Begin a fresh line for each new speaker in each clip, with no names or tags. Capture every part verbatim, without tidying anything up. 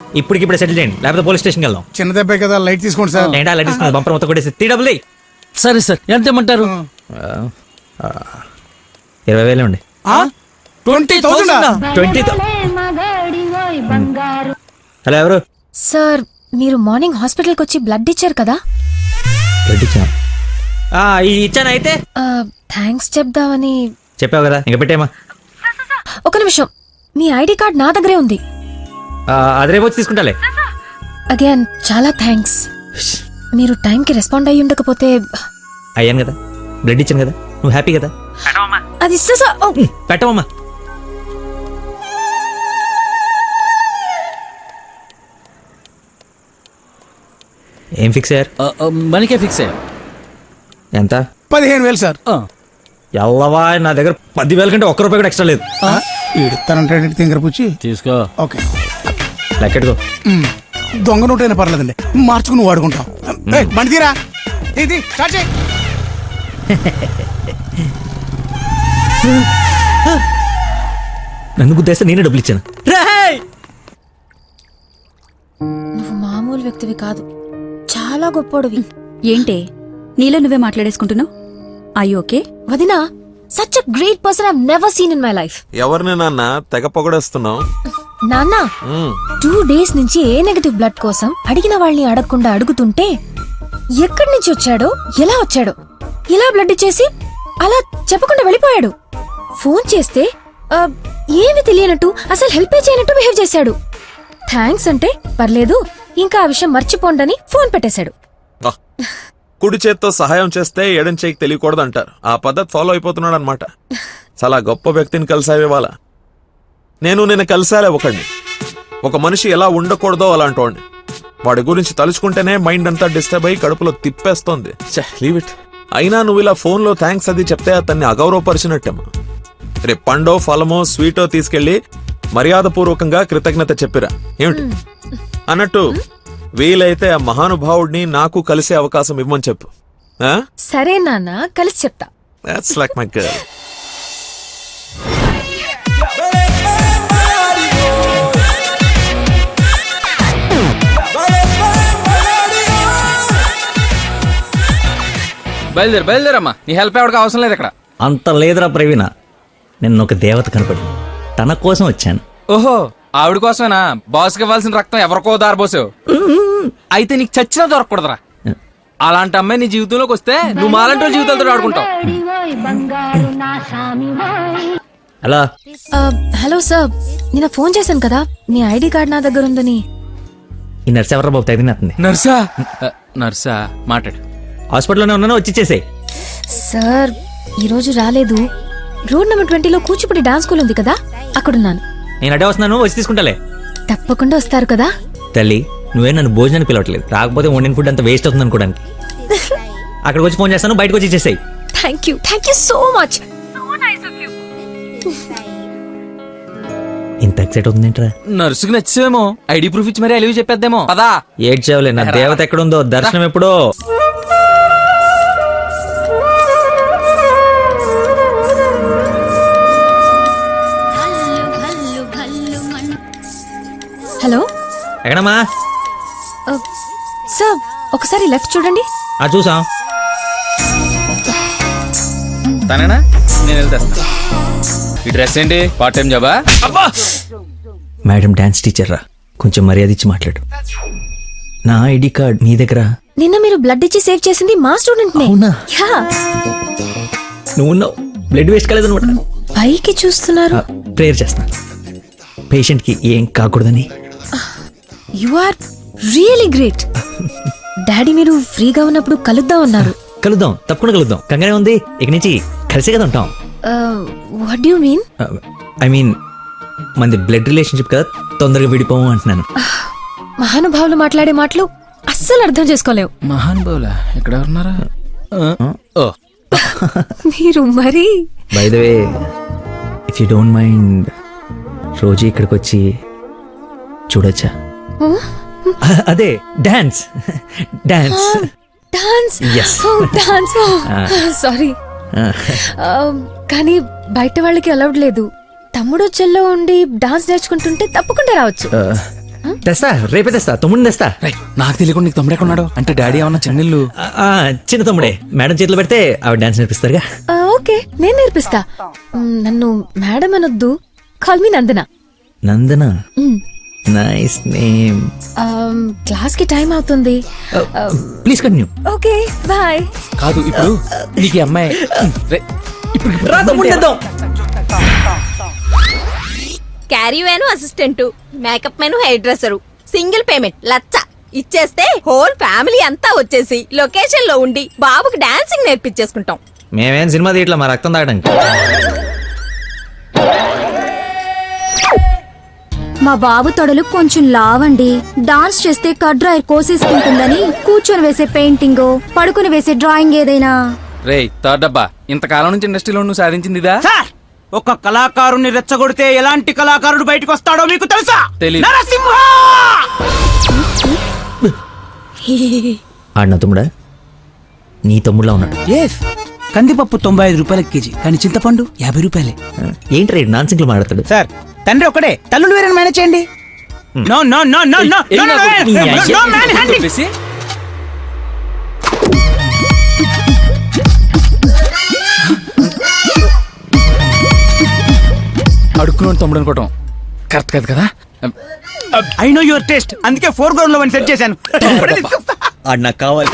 ఇప్పటికి ఇప్పుడే సెటిల్ చేయండి, లేకపోతే పోలీస్ స్టేషన్కి వెళ్దాం.
చిన్న దెబ్బే కదా, లైట్ తీసుకోండి సార్.
ఏంటా లైట్ తీసుకుని బంపర్ మొత్తం కొట్టేసి త్రీ డబుల్
సరే సార్, ఎంత ఇమ్మంటారు?
ఇరవై వేలు అండి.
ట్వంటీ థౌసండ్
ట్వంటీ హలో, ఎవరు?
సార్, మీరు మార్నింగ్ హాస్పిటల్కి వచ్చి బ్లడ్ ఇచ్చారు కదా?
బ్లడ్ ఇచ్చాను. ఇచ్చాను. అయితే
థ్యాంక్స్ చెప్దామని.
చెప్పావు కదా, ఇంకా పెట్టేమా.
ఒక నిమిషం, మీ ఐడి కార్డ్ నా దగ్గరే ఉంది.
అది రేపు వచ్చి తీసుకుంటాలే.
అగైన్ చాలా థ్యాంక్స్. మీరు టైంకి రెస్పాండ్ అయ్యి ఉండకపోతే.
అయ్యాను కదా, బ్లడ్ ఇచ్చాను కదా, నువ్వు హ్యాపీ కదా.
అది ఇస్తా సార్.
పెట్టవమ్మా. ఏం ఫిక్స్ అయ్యారు?
మనకే ఫిక్స్ అయ్యారు.
ఎంత?
పదిహేను వేలు సార్.
ఎల్లవా, నా దగ్గర పదివేల కంటే ఒక్క రూపాయి కూడా ఎక్స్ట్రా లేదు.
ఇడతానంటే తింగర పుచ్చి
తీసుకో.
ఓకే,
లెక్కెట్టుకో.
దొంగ నోట్ అయినా పర్లేదండి, మార్చుకుని వాడుకుంటాం. బండి తీరా, ఇది స్టార్ట్ చేయి.
నన్ను గుద్దేస్తే నేనే డబ్బులు ఇచ్చాను.
నువ్వు మామూలు వ్యక్తివి కాదు, చాలా గొప్పోడివి.
ఏంటే నీలో నువ్వే మాట్లాడేసుకుంటున్నావు? I okay?
వదినా, such a great person I have never seen in my life.
ఎవరిని నాన్న తెగ పొగడేస్తున్నావు?
నాన్న, టూ డేస్ నుంచి ఏ నెగటివ్ బ్లడ్ కోసం అడిగిన వాళ్ళని అడగకుండా అడుగుతుంటే ఎక్కడి నుంచి వచ్చాడో, ఎలా వచ్చాడో, ఇలా బ్లడ్ ఇచ్చేసి అలా చెప్పకుండా వెళ్ళిపోయాడు. ఫోన్ చేస్తే ఆ, ఏమి తెలియనట్టు, అసలు హెల్ప్ చేయనట్టు బిహేవ్ చేశాడు. థ్యాంక్స్ అంటే పర్లేదు, ఇంకా ఆ విషయం మర్చిపోండని ఫోన్ పెట్టేశాడు.
కుడి చేత్తో సహాయం చేస్తే ఎడం చేయికి తెలియకూడదు అంటారు. ఆ పద్ధతి ఫాలో అయిపోతున్నాడు అనమాట. చాలా గొప్ప వ్యక్తిని కలిసావే వాళ్ళ. నేను నిన్న కలిసాలే ఒకడిని. ఒక మనిషి ఎలా ఉండకూడదో అలాంటి వాడిని. వాడి గురించి తలుచుకుంటేనే మైండ్ అంతా డిస్టర్బ్ అయ్యి కడుపులో తిప్పేస్తోంది. Leave it. అయినా నువ్వు ఇలా ఫోన్లో థ్యాంక్స్ అది చెప్తే అతన్ని అగౌరవపరిచినట్టేమో. రేపు పండో ఫలమో స్వీటో తీసుకెళ్లి మర్యాదపూర్వకంగా కృతజ్ఞత చెప్పిరా ఏమిటి అన్నట్టు. వీలైతే ఆ మహానుభావుడిని నాకు కలిసే అవకాశం ఇవ్వమని చెప్పు.
సరే నాన్న, కలిసి చెప్తా.
That's like my girl.
బయలుదేరు బయలుదేరమ్మా, నీ హెల్ప్ ఎవరికి అవసరం లేదు ఇక్కడ.
అంత లేదురా ప్రవీణ, నిన్న ఒక దేవత కనపడి తన కోసం వచ్చాను.
ఓహో, ఆవిడ కోసమేనా? బాస్కి ఇవ్వాల్సిన రక్తం ఎవరికో దారిపోసావు. అయితే నీకు చచ్చినా దొరకకూడదురా. అలాంటి అమ్మాయి నీ జీవితంలోకి వస్తే నువ్వు మాలంటి వాళ్ళ జీవితాలతో ఆడుకుంటావు.
హలో
హలో సార్, నిన్న ఫోన్ చేశాను కదా, మీ ఐడి కార్డ్ నా దగ్గర ఉందని.
ఈ నర్స్ ఎవరా బాబు తగినట్టుంది?
నర్సా? నర్సా మాట్లాడు.
హాస్పిటల్లోనే ఉన్నాను, వచ్చి ఇచ్చేసేయ్.
సార్, ఈరోజు రాలేదు. రోడ్ నెంబర్ ట్వంటీలో కూచిపూడి డాన్స్ స్కూల్ ఉంది కదా, అక్కడున్నాను.
నేను అడే వస్తున్నాను, వచ్చి తీసుకుంటాలే.
తప్పకుండా వస్తారు కదా?
తల్లి, నువ్వే నన్ను భోజనానికి పిలవట్లేదు. రాకపోతే వండిన ఫుడ్ అంతా వేస్ట్ అవుతుంది అనుకోడానికి. అక్కడికి వచ్చి ఫోన్ చేస్తాను, బయటకు వచ్చి ఇచ్చేసాయి.
Thank you thank you so much.
ఇంత ఎక్సైట్ అవుతుందేంట్రా?
నర్సుకి నచ్చేమో, ఐడి ప్రూఫ్ ఇచ్చి మరీ అలివి చెప్పేద్దేమో. పదా
ఏడ్చేవలే, నా దేవత ఎక్కడుందో, దర్శనం ఎప్పుడో.
హలో,
ఎక్కడమ్మా?
సార్, ఒకసారి లెఫ్ట్ చూడండి.
ఆ చూసాం.
తనేనా? నేను వెళ్తా. ఈ డ్రెస్ ఏంటి? పార్ట్ టైం జాబా?
మేడం డాన్స్ టీచర్ రా, కొంచెం మర్యాద ఇచ్చి మాట్లాడు. నా ఐడి కార్డ్ నీ దగ్గర.
నిన్న మీరు బ్లడ్ ఇచ్చి సేవ్ చేసింది మా స్టూడెంట్ నే.
అవునా?
యా.
నువ్వు ఉన్నావు, బ్లడ్ వేస్ట్ కాలేదు అనమాట.
పైకి చూస్తున్నారు.
ప్రేయర్ చేస్తా, పేషెంట్ కి ఏం కాకూడదని.
You are really great. Daddy మీరు ఫ్రీగా ఉన్నప్పుడు కలుద్దాం అన్నారు.
కలుద్దాం, తప్పకుండా కలుద్దాం. కంగానే ఉంది, ఇక నుంచి కలిసే కదా ఉంటాం.
What do you mean?
I mean మనది బ్లడ్ రిలేషన్షిప్ కదా, తొందరగా విడిపోము అంటున్నాను.
మహానుభావులు మాట్లాడే మాటలు అస్సలు అర్థం చేసుకోలేవు.
మహానుభావులా? ఎక్కడ ఉన్నారా?
మీరు మరి.
By the way, if you don't mind, రోజు ఇక్కడికి వచ్చి చూడొచ్చా? అదే dance dance
dance
Yes.
Dance sorry, కానీ బయట వాళ్ళకి అలౌడ్ లేదు. తమ్ముడు చెల్లో ఉండి డాన్స్ నేర్చుకుంటుంటే తప్పకుండా రావచ్చు.
తెస్తా రేపే తెస్తా తమ్ముడిని తెస్తా
రేయ్, నాకు తెలియకుండా నీకు తమ్ముడు ఎక్కడున్నాడు అంటే డాడీ ఏమన్నా చిన్నిల్లు
ఆ, ఆ, చిన్న తమ్ముడే మేడం చేతిలో పెడితే ఆవిడ డాన్స్ నేర్పిస్తారుగా
ఆ, ఓకే నేను నేర్పిస్తా మ్, నన్ను మేడం అనొద్దు call me Nandana
Nandana nice name
class కి టైం అవుతుంది
ప్లీజ్ కంటిన్యూ
ఓకే బాయ్
కాదు ఇప్పుడు నీకు ఈ అమ్మాయి రేయ్, ఇప్పుడు ఇప్పుడు
రా తమ్ముడిని తెద్దాం.
Caravan assistant makeup man hair dresser single payment లచ్చ ఇచ్చేస్తే హోల్ ఫ్యామిలీ అంతా వచ్చేసి లొకేషన్ లో ఉండి బాబుకి డాన్సింగ్ నేర్పించేసుకుంటాం.
మేమేం సినిమా తీయట్లా మా రక్తం తాగడానికి
మా బాబు తొడలు కొంచెం లావండి. డాన్స్ చేస్తే కట్ డ్రాయర్ కోసేసుకుంటుందని కూర్చొని వేసే పెయింటింగ్, పడుకుని వేసే డ్రాయింగ్ ఏదైనా.
రేయ్ థర్డ్ డబ్బా ఇంతకాలం నుంచి ఇండస్ట్రీలో నువ్వు సాధించింది ఇదా?
సార్ ఒక కళాకారుని రెచ్చగొడితే ఎలాంటి కళాకారుడు బయటకు వస్తాడో మీకు తెలుసా?
తెలీదు.
నరసింహ!
ఆడిన తమ్ముడా నీ తమ్ముడులా ఉన్నాడు
ఎస్ కందిపప్పు తొంభై ఐదు రూపాయల కేజీ కానీ చింతపండు యాభై రూపాయలే.
ఏంటి రేడు నాన్ సింగ్లు మాట్లాడతాడు
సార్ తండ్రి ఒకడే తల్లులు వేరే మేనేజ్ చేయండి. No no no no no
ఏయ్,
నో
నాకు
నో
నీ
నో
అయ్య-
నో మ్యాన్ హ్యాండింగ్.
చెప్పేసి, అడుక్కున్నాడు తమ్ముడు అనుకోవటం కరెక్ట్ కాదు కదా.
ఐ నో యువర్ టేస్ట్ అందుకే ఫోర్ గ్రౌండ్ లో సెట్ చేశాను. ఇప్పుడే తీసుకొస్తా.
ఆడు నాకు కావాలి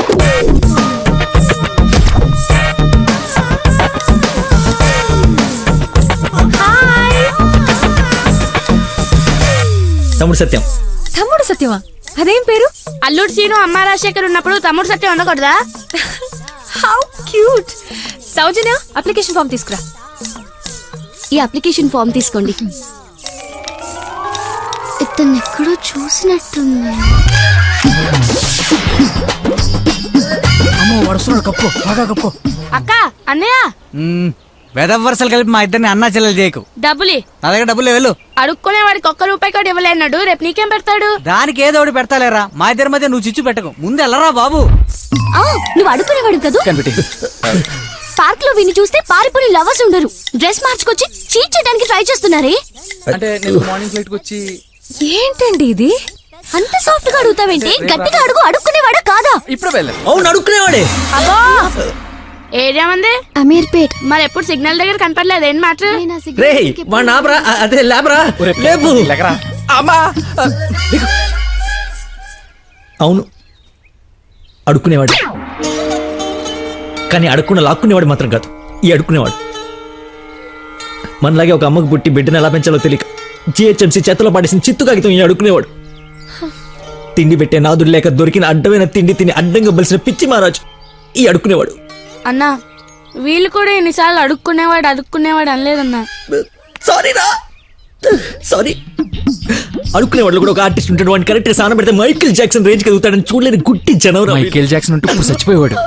తమ్ముడు సత్యం
తమ్ముడు సత్యమా అదేం పేరు
అల్లుడు సీను అమ్మ రాజశేఖర్ ఉన్నప్పుడు తమ్ముడు సత్యం ఉండకూడదా?
How cute Soujanya application form తీసుకురా
ఈ అప్లికేషన్ ఫామ్ తీసుకోండి. ఇతను ఎక్కడో చూసినట్టుంది.
అమ్మో వరుసలో కప్పు బాగా కప్పు.
అక్క అన్నయ్య
వెదవ వరుసలు కలిపి మా ఇద్దరిని అన్నా చెల్లెలు చేయకు.
డబ్బులి
నా దగ్గర డబ్బులు వెళ్ళు.
అడుక్కునే వాడికి ఒక్క రూపాయి కూడా ఇవ్వలేన్నాడు. రేపు నీకేం పెడతాడు?
దానికి ఏదో ఒకటి పెడతాలేరా. మా ఇద్దరి మధ్య నువ్వు చిచ్చు పెట్టకు. ముందు వెళ్ళరా బాబు.
ఆ, నువ్వు అడుగునేవాడు కదూ.
కనిపెట్టి
పార్క్ లో విని చూస్తే పారిపోయి లవర్స్ ఉండరు. డ్రెస్ మార్చుకొచ్చి చీట్ చేయడానికి ట్రై చేస్తున్నారే.
అంటే నేను మార్నింగ్ ఫ్లైట్ కి వచ్చి
ఏంటండి ఇది
అంత సాఫ్ట్ గా అడుగుతావేంటి? గట్టిగా అడుగు. అడుక్కునేవాడా కాదా?
ఇప్పుడు వెళ్ళాను.
అవును అడుక్కునేవాడే
అబ్బో ఏరియా మంది
అమీర్పేట్.
మరి ఎప్పుడు సిగ్నల్ దగ్గర కనపడలేదు. ఏం మాట?
రే వాడు నాబరా అదే లేబరా లేపు
అమ్మా
అవును అడుక్కునేవాడు కానీ అడుక్కున్న లాక్కునేవాడు మాత్రం కాదు ఈ అడుక్కునేవాడు మనలాగే ఒక అమ్మకు పుట్టి బిడ్డను ఎలా పెంచాలో తెలియక జిహెచ్ఎంసీ చేతిలో పడేసిన చిత్తు కాగితం ఈ అడుక్కునేవాడు తిండి పెట్టే నాదుడు లేక దొరికిన అడ్డమైన తిండి తిని అడ్డంగా బలిసిన పిచ్చి మహారాజు ఈ అడుక్కునేవాడు
అన్నా వీళ్ళు కూడా ఎన్నిసార్లు అడుక్కునేవాడు అడుక్కునేవాడు అనలేదన్నా.
సారీ రా సారీ అడుక్కునేవాడు కూడా ఒక ఆర్టిస్ట్ ఉంటాడు వాడిని కరెక్ట్ గా సాన పెడితే మైకిల్ జాక్సన్ రేంజ్ ఎదుగుతాడని చూడలేని గుట్టి జనవరం
మైకేల్ జాక్సన్ ఉంటూ ఇప్పుడు చచ్చిపోయేవాడు.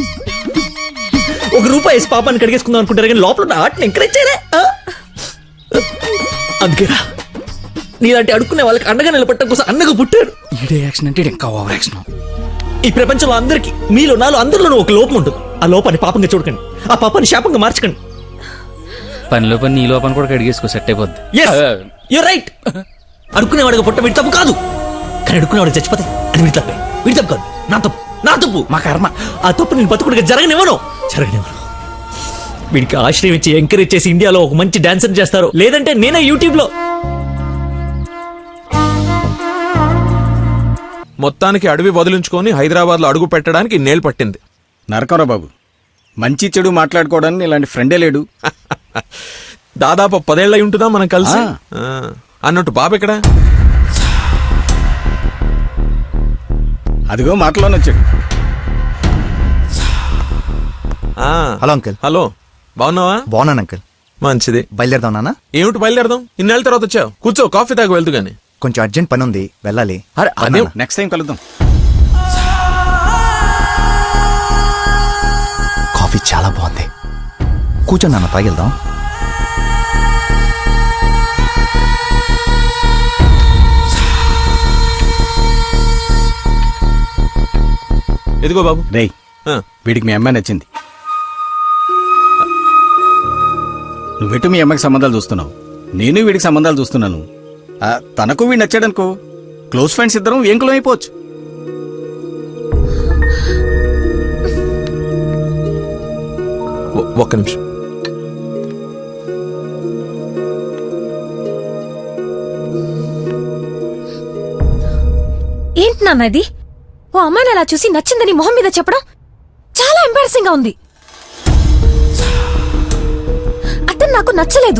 ఒక రూపాయి వేసి పాపాన్ని కడిగేసుకుందాం అనుకుంటారు కానీ లోపల ఉన్న ఆర్ట్ని ఎంకరేజ్ చేయలే ఆ? అందుకేరా నీలాంటి అడుక్కునే వాళ్ళకి అండగా నిలబట్టడం కోసం అన్నగా పుట్టాడు.
ఈడే యాక్షన్ అంటే ఇంకా ఓవర్ యాక్షన్.
ఈ ప్రపంచంలో అందరికి మీలో నాలో అందరిలోనూ ఒక లోపం ఉంటుంది. ఆ లోపాన్ని పాపంగా చూడకండి, ఆ పాపాన్ని శాపంగా మార్చకండి.
పనిలో పని నీ లోపల కూడా కడిగేసుకో సెట్ అయిపోద్ది.
You're right. అడుక్కునేవాడిగా పుట్ట వీడి తప్పు కాదు, కానీ అడుక్కునేవాడికి చచ్చిపోతే అది వీడి తప్పే. వీడి తప్పు కాదు, నా తప్పు, నా తప్పు, మా కర్మ. ఆ తప్పు నేను బతుకుడిగా జరగనివ్వను జరగనివ్వను. వీడికి ఆశ్రయం ఇచ్చి ఎంకరేజ్ చేసి ఇండియాలో ఒక మంచి డాన్సర్ చేస్తారు, లేదంటే నేనే యూట్యూబ్ లో.
మొత్తానికి అడవి వదిలించుకొని హైదరాబాద్ లో అడుగు పెట్టడానికి నేలు పట్టింది.
నరకరా బాబు, మంచి చెడు మాట్లాడుకోవడానికి ఇలాంటి ఫ్రెండే లేడు.
దాదాపు పదేళ్ళై ఉంటుందా మనం కలిసి.
ఆ.
ఆ. అన్నట్టు బాబు ఎక్కడ?
అదిగో మాటలోనే వచ్చాడు.
ఆ.
Hello uncle.
హలో, బాగున్నావా?
బాగున్నాను అంకుల్.
మంచిది.
బయలుదేరదాం నాన్న.
ఏమిటి బయలుదేరదాం? ఇన్నేళ్ళ తర్వాత వచ్చావు, కూర్చో, కాఫీ తాగి వెళ్తూ గాని.
కొంచెం అర్జెంట్ పని ఉంది, వెళ్ళాలి.
అరే అదే
నెక్స్ట్ టైం కలుద్దాం.
కాఫీ చాలా బాగుంది, కూర్చొని నాన్న తాగిద్దాం.
ఎదిగో బాబు.
రేయ్,
ఆ.
వీడికి మీ అమ్మాయి నచ్చింది. నువ్వెటు మీ అమ్మాయికి సంబంధాలు చూస్తున్నావు, నేను వీడికి సంబంధాలు చూస్తున్నాను. ఆ, తనకు వీడు నచ్చాడనుకో, క్లోజ్ ఫ్రెండ్స్ ఇద్దరం ఏంకులం అయిపోవచ్చు.
ఒ- ఒక్క నిమిషం.
ఏంటి నాన్న ఇది? ఓ అమ్మాయిని అలా చూసి నచ్చిందని మొహం మీద చెప్పడం చాలా ఎంబారసింగ్ గా ఉంది. అతను నాకు నచ్చలేదు.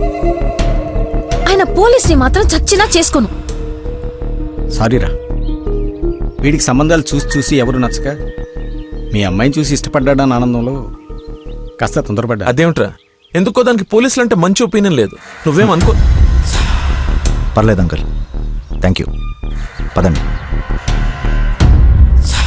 ఆయన పోలీస్ని మాత్రం చచ్చినా చేసుకోను.
సారీరా, వీడికి సంబంధాలు చూసి చూసి ఎవరు నచ్చక మీ అమ్మాయిని చూసి ఇష్టపడ్డాడని ఆనందంలో కాస్త తొందరపడ్డా.
అదేమిట్రా, ఎందుకో దానికి పోలీసులు అంటే మంచి ఒపీనియన్ లేదు. నువ్వేం అనుకో.
పర్లేదు అంకుల్, థ్యాంక్ యూ. పదండి.